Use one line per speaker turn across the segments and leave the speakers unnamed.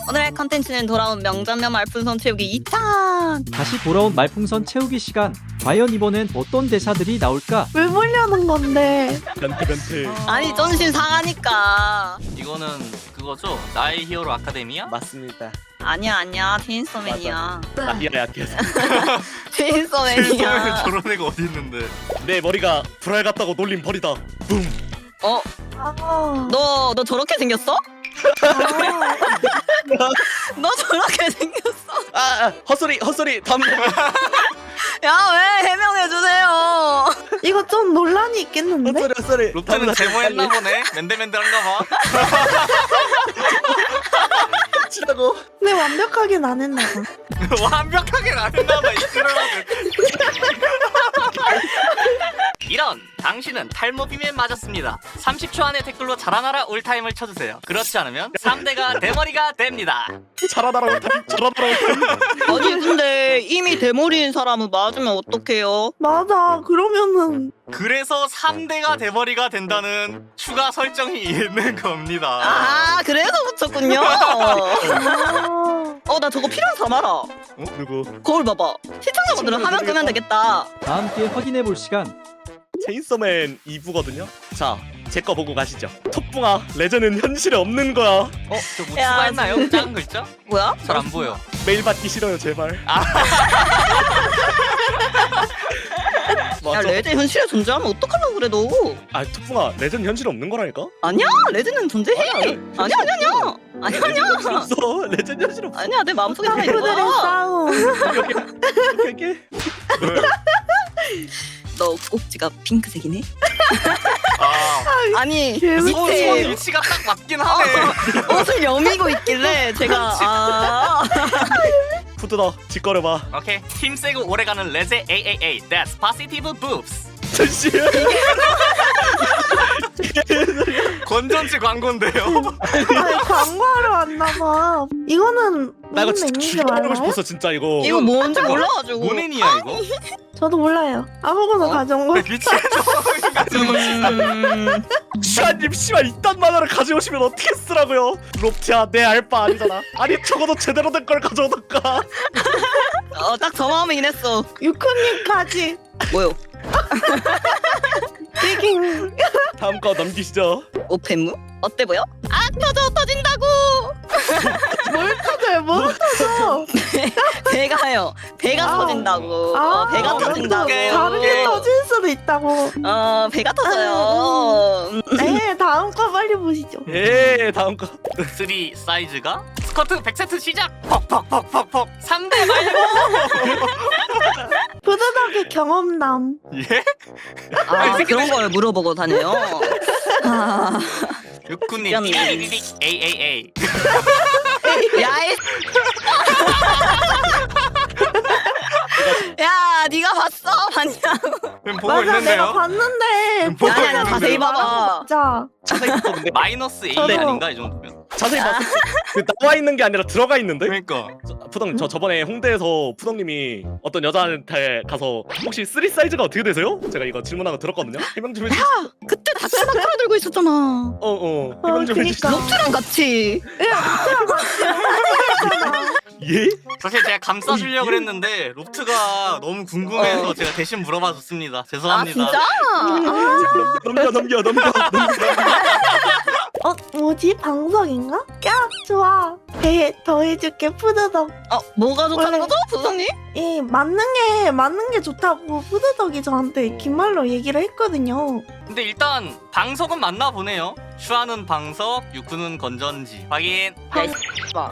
오늘의 컨텐츠는 돌아온 명장면 말풍선 채우기 2탄.
다시 돌아온 말풍선 채우기 시간. 과연 이번엔 어떤 대사들이 나올까?
왜 보려는 건데?
변태.
아니 전신 상하니까.
이거는 그거죠? 나의 히어로 아카데미야?
맞습니다.
아니야 체인소맨이야.
나이야 약해서.
체인소맨이야.
저런 애가 어디 있는데?
내 머리가 불알 같다고 놀림 버리다. 붐.
어?
아,
너 저렇게 생겼어?
아,
너 저렇게 생겼어?
헛소리. 다음.
야 왜 해명해주세요.
이거 좀 논란이 있겠는데?
헛소리.
롭트는 제모했나 보네? 맨들맨들한가 봐.
치라고.
근데 완벽하긴 안 했나 봐.
완벽하게 안 했나 봐, 이 싫어하는. 이런! 당신은 탈모 비밀 맞았습니다. 30초 안에 댓글로 자라나라 올타임을 쳐주세요. 그렇지 않으면 3대가 대머리가 됩니다.
잘하다라 올타임.
아니 근데 이미 대머리인 사람은 맞으면 어떡해요?
맞아. 그러면은
그래서 3대가 대머리가 된다는 추가 설정이 있는 겁니다.
아 그래서 붙였군요.
아,
나 저거 필요한 사람 알아.
누구?
거울 봐봐. 시청자분들은 화면 끄면 되겠다.
다 함께 확인해볼 시간.
체인소맨 2부거든요. 자, 제 거 보고 가시죠. 톱붕아, 레전은 현실에 없는 거야.
저 뭐
야,
추가했나요? 작은 글자?
뭐야?
잘 안 보여.
메일 받기 싫어요, 제발.
야
맞아.
레드 현실에 존재하면 어떡하려고 그래 너.
톱붕아, 레전 현실에 없는 거라니까?
아니야 레드는 존재해. 아니야.
없어. 레전 현실 없어.
아니야 내 마음속에 살아
친구들의
있어.
싸움.
이렇게.
너 꼭지가 핑크색이네.
아,
아니
재밌지.
손
밑에
위치가 딱 맞긴 하네.
옷을 여미고 있길래 제가
푸드다, 짓거려봐.
오케이. 팀 세고 오래가는 레제 AAA That's Positive Boobs.
전시.
건전지 광고인데요.
아니, 광고하러 왔나 봐. 이거는
나 이거
무슨
진짜
맥인지
죽여버리고
알아요?
싶었어, 진짜 이거.
이거 뭔지 몰라가지고.
모넨이야 이거?
저도 몰라요. 아무거나 가져온 거.
미치겠어.
슈아님, 씨발 이딴 만화를 가져오시면 어떻게 쓰라고요? 롭티야, 내 알바 아니잖아. 아니 적어도 제대로 된 걸 가져오던가.
딱 저 마음이긴 했어.
유쿠님까지.
뭐요?
띵.
다음 거 넘기시죠.
오펜무? 어때 보여? 터진다고.
뭘 터져요? 뭘 터져?
배가요. 배가
아.
터진다고.
아,
배가
또
터진다고.
다른 게 터질 수도 있다고.
배가 터져요.
네, 다음 거 빨리 보시죠.
예, 다음 거.
3 사이즈가 스커트 100세트 시작. 퍽퍽퍽퍽퍽 3대 말고.
부드덕의 경험담.
예?
그런 걸 물어보고 다녀요.
육군님
미안해.
AAA.
야이. 야, 네가 봤어? 봤냐고.
보고
맞아, 내가
있는데요.
봤는데.
보고
아니야,
있는데요.
자세히 봐봐.
진짜.
자세히 봤는데.
마이너스 A
저도.
아닌가 이 정도면?
자세히 봤어. 그 나와 있는 게 아니라 들어가 있는데.
그러니까.
푸덩, 저 저번에 홍대에서 푸덩님이 어떤 여자한테 가서 혹시 3 사이즈가 어떻게 되세요? 제가 이거 질문하고 들었거든요. 해명 좀 해주시.
그때 다크막 끌어들고 있었잖아.
해명 좀 해주시죠.
그니까.
록트랑 같이.
예?
사실 제가 감싸주려고 했는데 롭트가 너무 궁금해서 제가 대신 물어봐줬습니다.
아,
죄송합니다.
진짜?
넘겨.
뭐지? 방석인가? 야, 좋아. 배 더해줄게, 푸드덕.
뭐가 좋다는
원래-
거죠, 부장님?
이 맞는 게 좋다고 푸드덕이 저한테 긴 말로 얘기를 했거든요.
근데 일단 방석은 맞나 보네요. 슈아는 방석, 유쿠는 건전지. 확인.
야, 이 봐.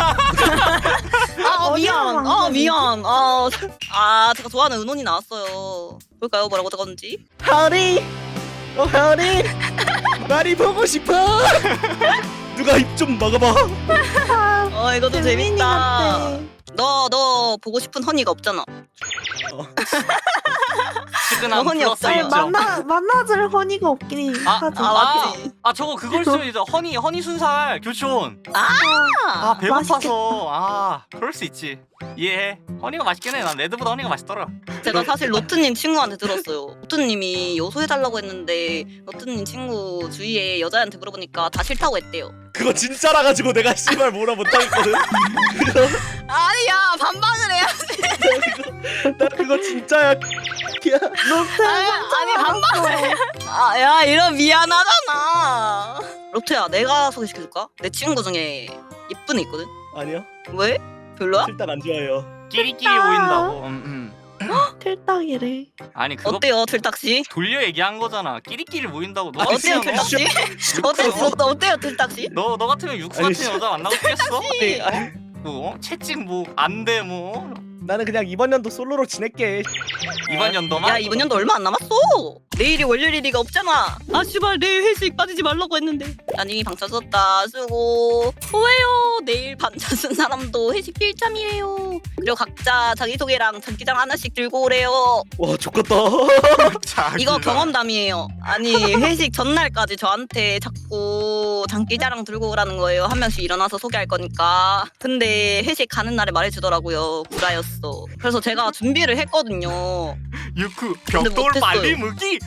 미안.
어디가
미안. 제가 좋아하는 은혼이 나왔어요. 볼까요? 뭐라고 적었는지?
하리, 하리, 나리 보고 싶어. 누가 입 좀 막아봐.
이거 좀
재민이
재밌다.
같아.
너 보고 싶은 허니가 없잖아.
측은한
허니
플러스
없어요.
1점.
만나줄 허니가 없긴 하죠.
맞지.
저거 그걸 쓰면 이제 허니 순살 교촌. 배고파서.
맛있겠다.
그럴 수 있지. 이해해. 허니가 맛있긴 해. 난 레드보다 허니가 맛있더라.
제가 사실 로트님 친구한테 들었어요. 로트님이 요소해달라고 했는데 로트님 친구 주위에 여자한테 물어보니까 다 싫다고 했대요.
그거 진짜라 가지고 내가 씨발 뭐라 못하겠거든.
아니야, 반박을 해야.
나 그거 진짜야.
로트
아니 반박을. 야 이런 미안하잖아. 로트야, 내가 소개시켜줄까? 내 친구 중에 예쁜 애 있거든.
아니요.
왜? 별로야?
일단 안 좋아해요.
끼리끼리 보인다고.
틀딱이래.
아니 그거
어때요, 틀딱씨?
돌려 얘기한 거잖아. 끼리끼리 모인다고. 너
어때요,
같으면
틀딱씨? 어때요, 틀딱씨?
너 같으면 육수
아니,
같은 여자 만나고 싶겠어?
아니,
채찍 뭐 안 돼 뭐.
나는 그냥 이번 연도 솔로로 지낼게.
이번 연도만?
야, 이번 연도 얼마 안 남았어. 내일이 월요일이가 없잖아. 아 씨발, 내일 회식 빠지지 말라고 했는데. 난 이미 방차 썼다. 수고. 후회요. 내일 반차 쓴 사람도 회식 필참이에요. 그리고 각자 자기소개랑 장기장 하나씩 들고 오래요.
와 좋겠다.
이거 경험담이에요. 아니 회식 전날까지 저한테 자꾸 장기자랑 들고 오라는 거예요. 한 명씩 일어나서 소개할 거니까. 근데 회식 가는 날에 말해주더라고요. 구라였어. 그래서 제가 준비를 했거든요.
유쿠
근데
벽돌
못했어요.
빨리 무기.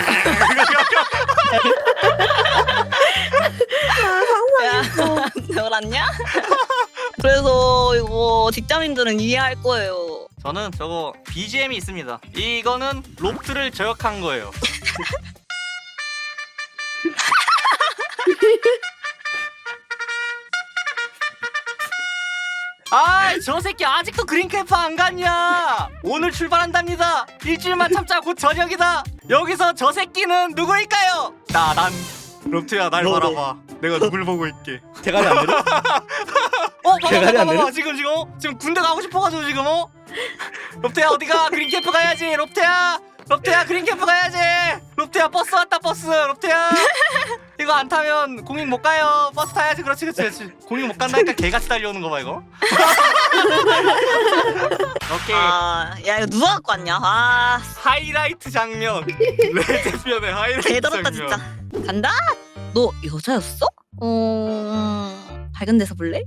야, 배워놨냐? 그래서 이거 직장인들은 이해할 거예요.
저는 저거 BGM이 있습니다. 이거는 롭트를 저격한 거예요. 저 새끼 아직도 그린캠프 안 갔냐? 오늘 출발한답니다. 일주일만 참자. 곧 저녁이다. 여기서 저 새끼는 누구일까요? 난 롭트야, 날
너.
바라봐. 내가 누굴 보고 있게.
대가리 안 내려? 대가리 안
봐봐.
내려?
지금 군대 가고 싶어가지고 지금 롭트야 어디가? 그린캠프 가야지. 롭트야 그린캠프 가야지. 롭트야 버스 왔다. 버스. 롭트야 이거 안 타면 공익 못 가요. 버스 타야지. 그렇지. 공익 못 간다니까 개같이 달려오는 거 봐 이거. 오케이.
야 이거 누가 갖고 왔냐?
하이라이트 장면. 레드편의 하이라이트
개더럽다
장면.
진짜. 간다? 너 여자였어? 밝은 데서 볼래?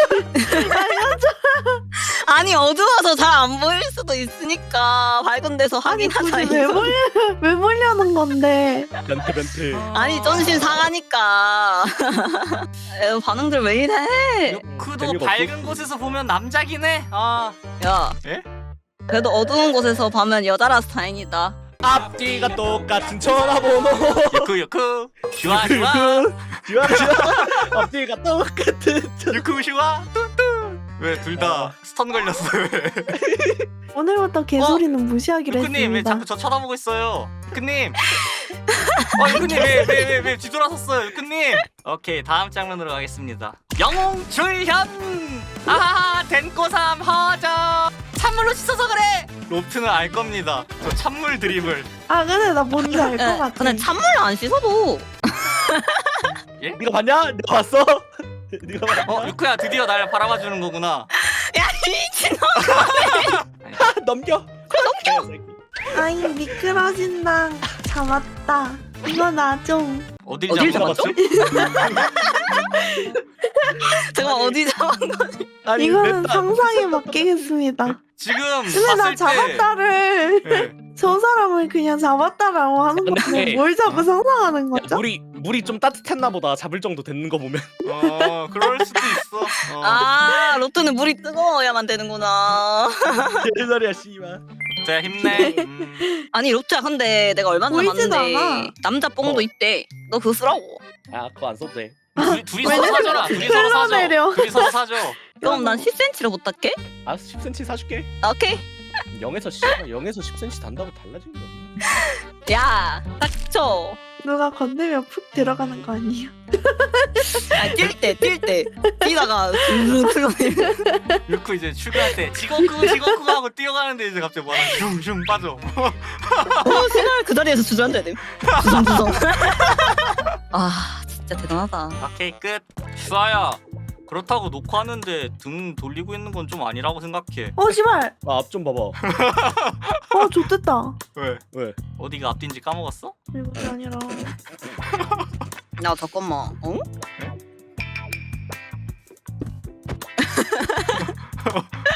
아니 어두워서 잘 안 보일 수도 있으니까 밝은 데서 확인하자.
굳이 왜 보려는 건데?
변태.
아니 쩐신 상하니까. 에휴, 반응들 왜 이래?
요크도
재미가
밝은 곳에서 보면 남자긴 해.
야,
예?
그래도 어두운 곳에서 보면 여자라서 다행이다.
앞뒤가 똑같은 전화번호.
요크 슈아
좋아. 앞뒤가 똑같은.
유쿠 슈아 뚠뚠. 왜 둘 다 스턴 걸렸어? 왜?
오늘부터 개소리는 무시하기로
유쿠님 왜
했습니다.
자꾸 저 쳐다보고 있어요? 유쿠님. 유쿠님 왜 뒤돌아섰어요? 유쿠님. 오케이 다음 장면으로 가겠습니다. 영웅 출현. 덴꼬삼 허저. 찬물로 씻어서 그래. 롭트는 알 겁니다. 저 찬물 드립을.
근데 나 뭔지 알 것 같아.
근데 찬물로 안 씻어도.
네가 봤냐? 내가 봤어? 네가 봤냐?
유쿠야 드디어 날 바라봐 주는 거구나.
야 미친놈.
넘겨.
아이 미끄러진다. 잡았다. 이거 나 좀.
어딜
어딜
잡았죠?
잠깐 어디 잡은 거지?
아니
이거는
맵다.
상상에 맡기겠습니다.
지금
근데 나
봤을 때
잡았다를
예.
저 사람을 그냥 잡았다라고 하는 건데
근데-
뭘 자꾸 상상하는
야,
거죠?
물이 좀 따뜻했나 보다. 잡을 정도 됐는 거 보면.
그럴 수도 있어.
로또는 물이 뜨거워야만 되는구나.
개소리야 씨발.
자 힘내.
아니 로또야, 근데 내가 얼마 전에
보이지도
봤는데
않아.
남자 뽕도 있대. 너 그거 쓰라고.
아 그거 안 써도 돼.
둘이 서로 사줘라. 둘이 서로
흘러내려.
사줘. 둘이 서로 사줘.
그럼 난 10cm로 부탁해?
아 10cm 사줄게.
오케이.
0에서 10cm 단다고 달라진 게 없네.
야, 닥쳐.
누가 건들면 푹 들어가는 거 아니야?
뛸 때. 뛰다가 흘러내려.
유쿠 이제 출근할 때 지거쿠 하고 뛰어가는데 이제 갑자기 뭐하나 슝슝 빠져.
신발 그 자리에서 주저앉아야 돼. 주성. 아, 진짜 대단하다.
오케이 끝. 슈아야 그렇다고 녹화하는데 등 돌리고 있는 건 좀 아니라고 생각해.
씨발.
앞 좀 봐봐.
좋댔다.
왜?
어디가 앞뒤인지 까먹었어?
이것이 아니라.
야 잠깐만. 어?